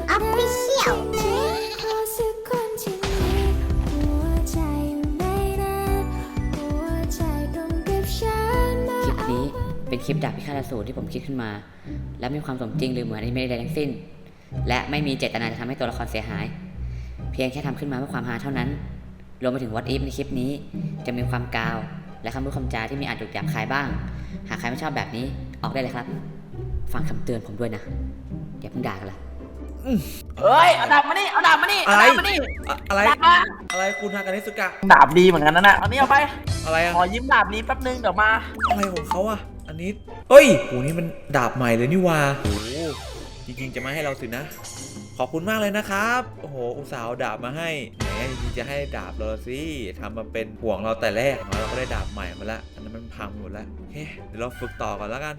Official คลิปนี้เป็นคลิปดาบพิฆาตอสูรที่ผมคิดขึ้นมาและมีความสมจริงหรือเหมือนอนิเมะใดทั้งสิ้นและไม่มีเจตนาจะทำให้ตัวละครเสียหายเพียงแค่ทำขึ้นมาเพื่อความฮาเท่านั้นรวมไปถึง What If ในคลิปนี้จะมีความกาวและคำพูดคำจาที่มีอาจหยาบคายบ้างหากใครไม่ชอบแบบนี้ออกได้เลยครับฟังคำเตือนผมด้วยนะอย่าเพิ่งด่ากันละเอ้ยเอาดาบมานี่เอาดาบมานี่เอาดาบมานี่อะไรดาบมาอะไรคุณฮากานิสุกะดาบดีเหมือนกันนะเอานี่เอาไปอะไรอะขอยิ้มดาบนี้แป๊บนึงเดี๋ยวมาอะไรของเขาอะอันนี้เฮ้ยโหนี่มันดาบใหม่เลยนี่วะโอ้โหจริงๆจะมาให้เราสินะขอบคุณมากเลยนะครับโอ้โหอุตส่าห์เอาดาบมาให้แหมจริงๆจะให้ดาบเราสิทำมาเป็นห่วงเราแต่แรกเราก็ได้ดาบใหม่มาแล้วอันนั้นมันพังหมดแล้วโอเคเดี๋ยวเราฝึกต่อก่อนแล้วกัน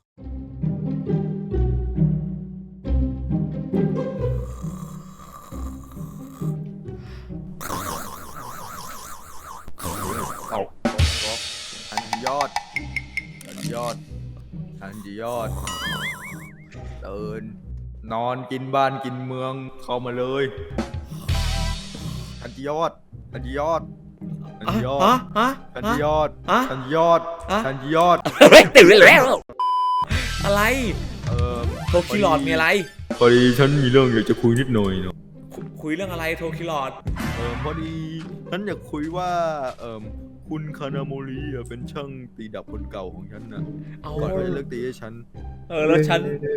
ทันยอดทันยอดทันยอดเดินนอนกินบ้านกินเมืองเข้ามาเลยทันยอดทันยอดทันยอดทันยอดทันยอดทันยอดตื่นแล้วอะไรโทคิลอดมีอะไรพอดีฉันมีเรื่องอยากจะคุยนิดหน่อยเนาะคุยเรื่องอะไรโทคิลอดพอดีฉันอยากคุยว่าคุณคานาโมริเป็นช่างตีดาบคนเก่าของฉันนะก่อนเขาจะเลิกตีให้ฉันแล้วฉัน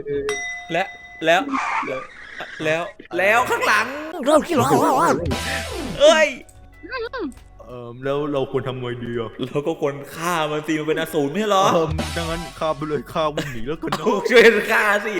แล้วข้างหลังเราคิดหรอเอ้ยแล้วเราควรทำไงดีอ่ะเราก็ควรฆ่ามันสิมันเป็นอสูรไม่ใช่หรอดังนั้นฆ่าไปเลยฆ่าวิ่งหนีแล้วกันเนาะช่วยฆ่าสิ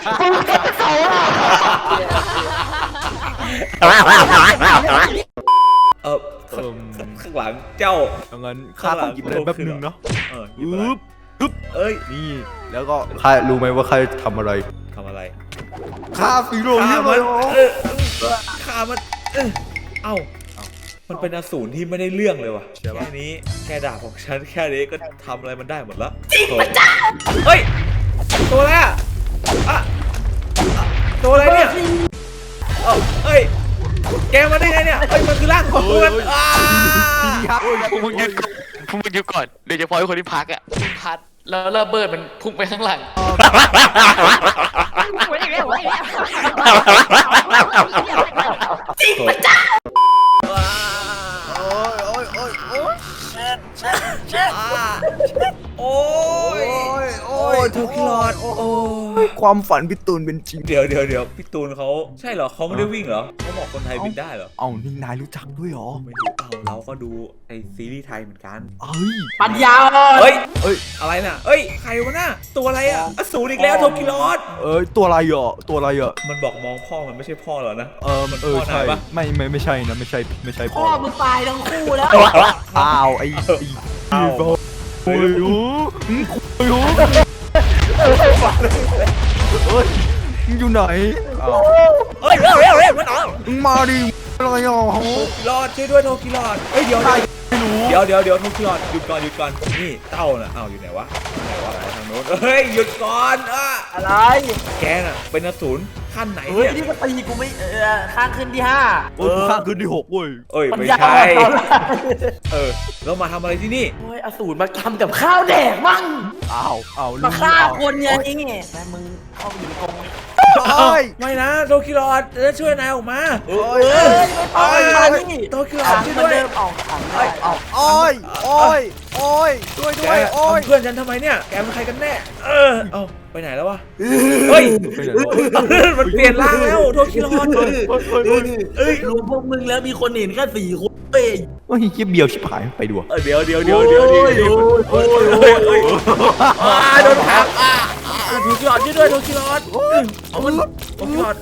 ข้างหลังเจ้าดังนั้นฆ่าต้องหยิบอะไรแป๊บนึงเนาะปึ๊บเอ้ยนี่แล้วก็ข้ารู้ไหมว่าข้าทำอะไรฆ่าสีโรยเลยฆ่ามันเอ้ามันเป็นอสูรที่ไม่ได้เรื่องเลยว่ะแค่นี้แค่ดาบของฉันแค่นี้ก็ทำอะไรมันได้หมดแล้วจริงปะจ้าเฮ้ยตัวอะไรอ่ะตัวอะไรเนี่ยเฮ้ยแกมาได้ไงเนี่ยเฮ้ยมันคือร่างของมันพวกมึงหยุดก่อนโดยเฉพาะคนที่พักอ่ะพัดแล้วระเบิดมันพุ่งไปข้างหลังจริงปะจ้าโอ้ยโทคิลอดโอ้ยความฝันพี่ตูนเป็นจริงเดี๋ยวพี่ตูนเขาใช่เหรอเขาไม่ได้วิ่งเหรอเขาบอกคนไทยบินได้เหรอนี่นายรู้จักด้วยเหรอไม่รู้เราก็ดูไอซีรีส์ไทยเหมือนกันปัญญาเฮ้ยอะไรน่ะใครวะน่ะตัวอะไรอ่ะอสูรอีกแล้วโทคิลอดตัวอะไรอ่ะมันบอกมองพ่อมันไม่ใช่พ่อเหรอนะมันใช่ปะไม่ใช่นะไม่ใช่พ่อมึงตายทั้งคู่แล้วไอ้โอ้ยอยู่ไหนมันออกมาดิอะไรอ่ะรอดช่วยด้วยโทคิลอดเดี๋ยวโทคิลอดหยุดก่อนนี่เต้าน่ะอยู่ไหนวะทางโน้นหยุดก่อนอะไรแกน่ะเป็นอสูรขั้นไหนเนี่ยนี่ก็ตีกูไม่ข้างขึ้นที่5 ข้างขึ้นที่6เว้ยไม่ใช่แล้วมาทำอะไรที่นี่อสูรมาทำกับข้าวแดกมั่งมาฆ่าคนไงแม่มึงเข้าไปอยู่ในกรงไม่นะโทคิลอดจะช่วยนายออกมาโทคิลอดช่วยด้วยช่วยด้วยเพื่อนฉันทำไมเนี่ยแกเป็นใครกันแน่ไปไหนแล้ววะเฮ้ยมันเปลี่ยนร่างแล้วโทคิลอดรู้พวกมึงแล้วมีคนเห็นแค่4 คนเยี่ยเบียวชิบหายไปดูเดี๋ยวโดนทับโทคิลอดช่วยด้วยโทคิลอดโทคิลอด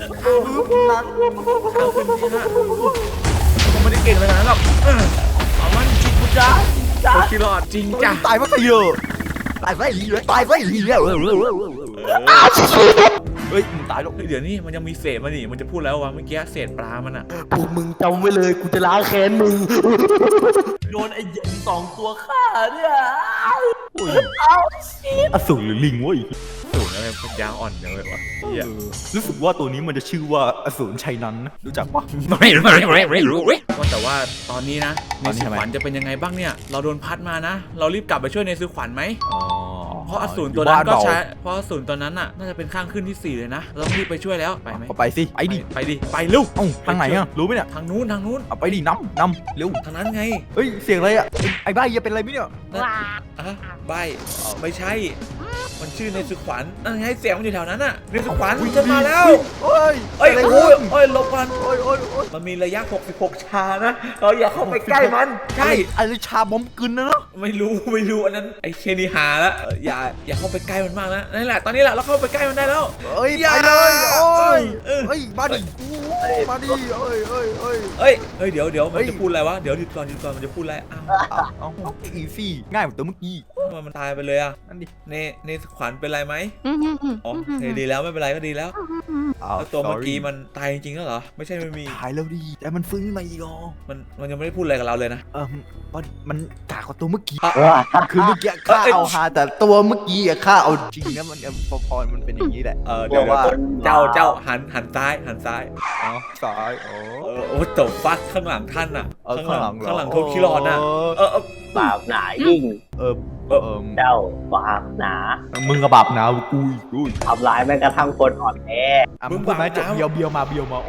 ผมไม่ได้เก่งอะไรนะหรอกมันจริงจ้าโทคิลอดจริงจ้าตายเพราะใครเยอะตายเพราะอีเฮ้ยมึงตายแล้วเดี๋ยวนี้มันยังมีเศษมานี่มันจะพูดแล้วว่าเมื่อกี้เศษปลามันพวกมึงจำไว้เลยกูจะล้างแค้นมึงโดนไอ้2 ตัวฆ่าเนี่ยอสูรหรือลิงวะสูรอะไรปัญญาอ่อนอย่างเลยวะเหี้ยรู้สึกว่าตัวนี้มันจะชื่อว่าอสูรชัยนั้นนะรู้จักปะไม่รู้ก็แต่ว่าตอนนี้นะตอนนี้ในสุทำไมขวัญจะเป็นยังไงบ้างเนี่ย เราโดนพัดมานะ เรารีบกลับไปช่วยในสุขวัญไหมอ๋อเพราะอสูรตัวนั้นก็ใช้เพราะอสูรตัวนั้นน่ะน่าจะเป็นข้างขึ้นที่ 4เลยนะเราต้องรีบไปช่วยแล้วไปไหมก็ไปสิไอ้ดิไปดิไปเร็วเอ้าทางไหนอะรู้ไหมเนี่ยทางนู้นทางนู้นเอาไปดินำเร็วทางนั้นไงเฮ้ยเสียงอะไรอะไอ้บ้าอย่าเป็นอะไรไหมเนี่ยอ่ะใบไม่ใช่ มันชื่อในสุขวัญนั่นไงเสียงมันอยู่แถวนั้นน่ะในสุขวัญฉันมาแล้วเฮ้ยเอ้ยอะไรโอ้ขึ้ยนเอ้ยหลบมันโอ้ยโอ้ยโอ้ยมันมีระยะ 66 ชานะ เราอย่าเข้าไปใกล้มัน ใช่อะไรชาบอมกึนนะเนาะไม่รู้อันนั้นไอ้เคนีหาแล้วอย่าเข้าไปใกล้มันมากนะนั่นแหละตอนนี้แหละเราเข้าไปใกล้มันได้แล้วเอ้ยอย่าไปเลยโอ้ยเออเฮ้ยมาดิมาดิเอ้ยเฮ้ยเดี๋ยวมันจะพูดอะไรวะเดี๋ยวหยุดก่อนมันจะพูดอะไรอ้าวเอาอีซี่ง่ายเหมือนตัวเมื่อกี้ทำไมมันตายไปเลยอ่ะนั่นดิในขวัญเป็นไรไหมอ๋อโอเคดีแล้วไม่เป็นไรก็ดีแล้ว แล้วตัวเมื่อกี้มันตายจริงๆแล้วเหรอไม่ใช่ไม่มีหายแล้วดิแต่มันฟื้นขึ้นมาอีกอ๋อมันยังไม่ได้พูดอะไรกับเราเลยนะมันกากกว่าตัวเมื่อกี้ว้าคือเมื่อกี้ข้าเอาฮาแต่ตัวเมื่อกี้อะข้าเอาจริงนะมันพอมันเป็นอย่างนี้แหละเดี๋ยวว่าเจ้าหันซ้ายอ๋อซ้ายอ๋อโอ้ตบฟัดข้างหลังท่านอ่ะข้างหลังข้างหลังโทคิรอนอ่ะเออบาปหนายิ่งเออเจ้าบาปหนามึงกับบาปหนาวกูอีกกูทำร้ายแม้กระทั่งคนอ่อนแอมึงพูดไหมจะเบียวมา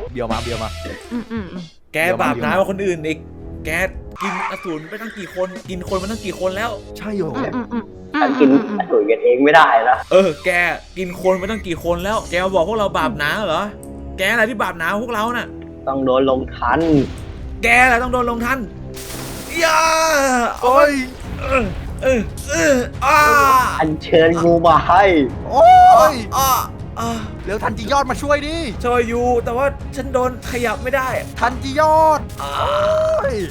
แกบาปน้อยกว่าคนอื่นอีกแกกินอสูรไปตั้งกี่คนกินคนมาตั้งกี่คนแล้วใช่เหรอฉันกินอสูรกันเองไม่ได้นะแกกินคนไปตั้งกี่คนแล้ว แกมาบอกพวกเราบาปหนาเหรอแกอะไรที่บาปหนาพวกเราน่ะต้องโดนลงทันแกแหละต้องโดนลงทันย่าโอ้ยอ้าอันเชิญงูมาให้โอ้ยอ่าเร็วทันจียอดมาช่วยดิช่วยอยู่แต่ว่าฉันโดนขยับไม่ได้ทันจียอดโอ้ย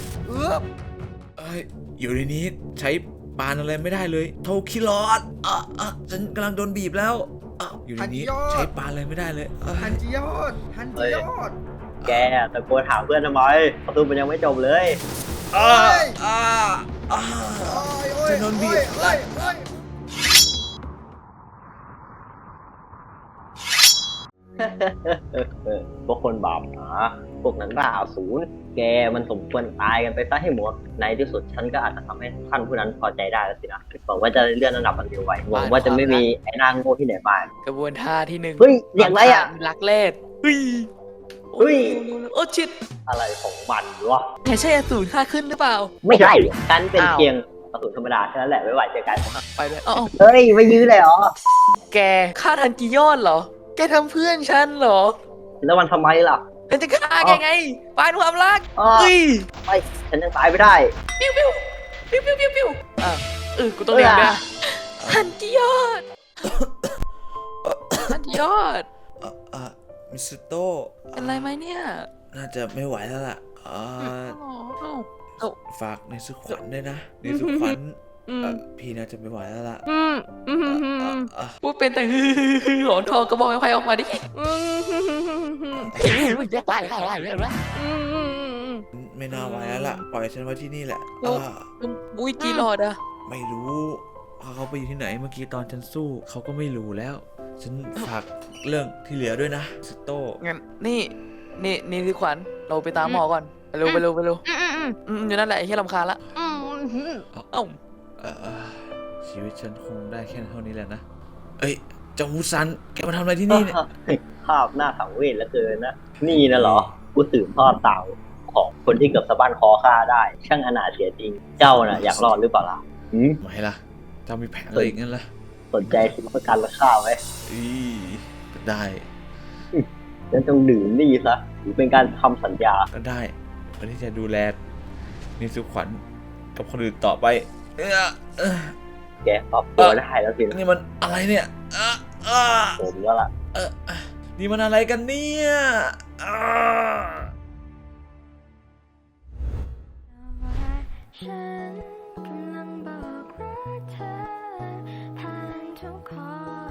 อยู่ในนี้ใช้ปานอะไรไม่ได้เลยโทคิรอดฉันกำลังโดนบีบแล้วอยู่ในนี้ใช้ปานอะไรไม่ได้เลยทันจียอดแกตะโกนหาเพื่อนทำไมประตูมันยังไม่จบเลยฉันโดนบีบพวกคนบาปหนาพวกนั้นบ้าอสูรแกมันสมควรตายกันไปซะให้หมดในที่สุดฉันก็อาจจะทำให้ท่านผู้นั้นพอใจได้แล้วสินะหวังว่าจะเลื่อนระดับมันเร็วไวหวังว่าจะไม่มีไอ้นางโง่ที่ไหนบ้างกระบวนท่าที่ 1 เฮ้ยเสียงอะไรอ่ะรักแรดเฮ้ยเฮ้ยโอ้ชิดอะไรของมันวะอย่าใช่อสูรค่าขึ้นหรือเปล่าไม่ใช่ฉันเป็นอ้าวเพียงอสูรธรรมดาแค่นั้นแหละไม่ไหวเจอกันไปเลยเอ้าเฮ้ยไม่ยื้อเลยเหรอแกฆ่าทันจียอดเหรอ แกทำเพื่อนฉันเหรอแล้วมันทำไมล่ะฉันจะฆ่าแกไงปานความรักอ๋อเฮ้ยไม่ฉันยังตายไม่ได้ปิ้วปิ้วปิ้วปิ้วปิ้วปิ้วกูต้องเรียนด้วยทันจียอดทันจียอดมิสโต้เป็นไรไหมเนี่ยน่าจะไม่ไหวแล้วล่ะอ๋อฝากในสุขวัญด้วยนะในสุขวัญพี่น่าจะไม่ไหวแล้วล่ะพูดเป็นแต่หลอนทองกระบอกไม้ไผ่ออกมาดิไม่น่าไหวแล้วล่ะปล่อยฉันไว้ที่นี่แหละบุ้ยจีรอดอะไม่รู้เขาไปอยู่ที่ไหนเมื่อกี้ตอนฉันสู้เขาก็ไม่รู้แล้ว ฉันฝากเรื่องที่เหลือด้วยนะมิสโต้งั้นนี่คือขวัญเราไปตามหมอก่อนไปเร็วอยู่นั่นแหละไอ้ที่รำคาญละเอ้าชีวิตฉันคงได้แค่เท่านี้แหละนะเอ้ยเจ้ามูซันแกมาทำอะไรที่นี่เนี่ยภาพหน้าสังเวชเหลือเกินนะ นี่นะเหรอ กูสืบทอดเต่าของคนที่เกือบสะบั้นคอฆ่าได้ ช่างอนาถเสียจริง เจ้าน่ะอยากรอดหรือเปล่าล่ะไม่ล่ะเจ้ามีแผนอะไรอีกงั้นล่ะสนใจซื้อประกันราคาไหมได้ฉันต้องดื่มนี่ซะหรือเป็นการทำสัญญาได้วันนี้จะดูแลนิสุขวัญกับคนอื่นต่อไปแกปรับตัวได้แล้วสินะนี่มันอะไรเนี่ยผมก็ล่ะนี่มันอะไรกันเนี่ยฉันกำลังบอกรักเธอผ่านทุกข้อ